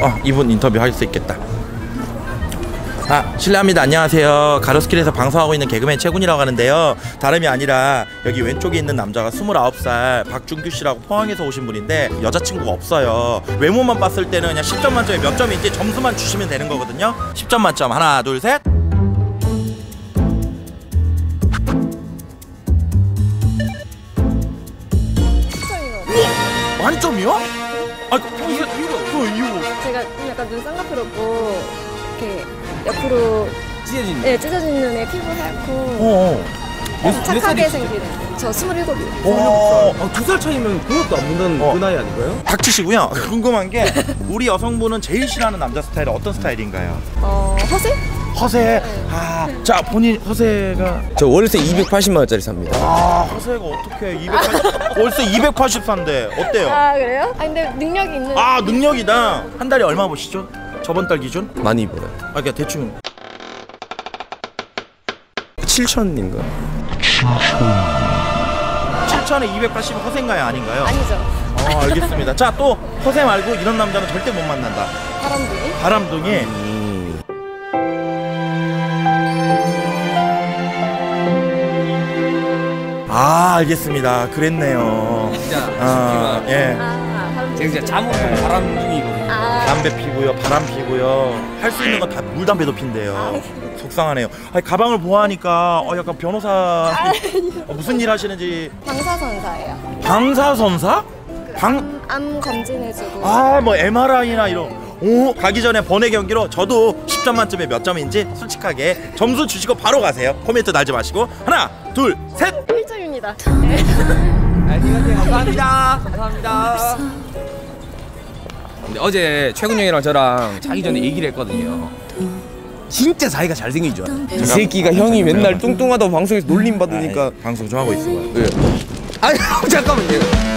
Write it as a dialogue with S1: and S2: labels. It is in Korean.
S1: 이분 인터뷰 할 수 있겠다. 실례합니다. 안녕하세요. 가로수길에서 방송하고 있는 개그맨 최군이라고 하는데요. 다름이 아니라 여기 왼쪽에 있는 남자가 29살 박준규 씨라고 포항에서 오신 분인데 여자친구가 없어요. 외모만 봤을 때는 그냥 10점 만점에 몇 점인지 점수만 주시면 되는 거거든요. 10점 만점 하나 둘 셋. 만점이요? 이유가
S2: 제가 좀 약간 눈 쌍꺼풀없고 이렇게 옆으로
S3: 찢어진.
S2: 네, 찢어진 눈에 피부 하얗고 착하게 생긴. 저 27이요.
S3: 2살 차이면 그것도 안 본다는 그 나이 아닌가요?
S1: 닥치시고요. 궁금한 게 우리 여성분은 제일 싫어하는 남자 스타일은 어떤 스타일인가요?
S2: 허세?
S1: 허세. 자 본인 허세가
S3: 저 월세 280만 원짜리 삽니다.
S1: 허세가 어떻게 280 월세 284인데 어때요?
S2: 그래요? 근데 능력이 있는.
S1: 능력이다. 한 달에 얼마 보시죠? 저번 달 기준?
S3: 많이 벌어요.
S1: 그러니까 대충
S3: 7천인가?
S1: 7천에 280은 허세인가요 아닌가요?
S2: 아니죠.
S1: 알겠습니다. 자 또 허세 말고 이런 남자는 절대 못 만난다.
S2: 바람둥이?
S1: 바람둥이. 알겠습니다. 그랬네요.
S3: 진짜
S1: 예.
S3: 제가 진짜 잠옷은 바람둥이거든요.
S1: 담배 피고요, 바람 피고요. 할 수 있는 건 다 물담배도 핀대요. 속상하네요. 가방을 보아하니까 약간 변호사 무슨 일 하시는지.
S2: 방사선사예요.
S1: 방사선사?
S2: 암 검진해주고.
S1: 뭐 MRI나 이런. 가기 전에 번외 경기로 저도 10점 만점에 몇 점인지 솔직하게 점수 주시고 바로 가세요. 코멘트 달지 마시고. 하나, 둘, 셋.
S2: 1점입니다.
S3: 감사합니다. 감사합니다. 근데 어제 최군 형이랑 저랑 자기 전에 얘기를 했거든요. 진짜 자기가 잘생긴 줄 알아요. 이 새끼가 형이 맨날 뚱뚱하다고 방송에서 놀림 받으니까
S1: 방송 좀 하고 있어요.
S3: 아니 잠깐만요.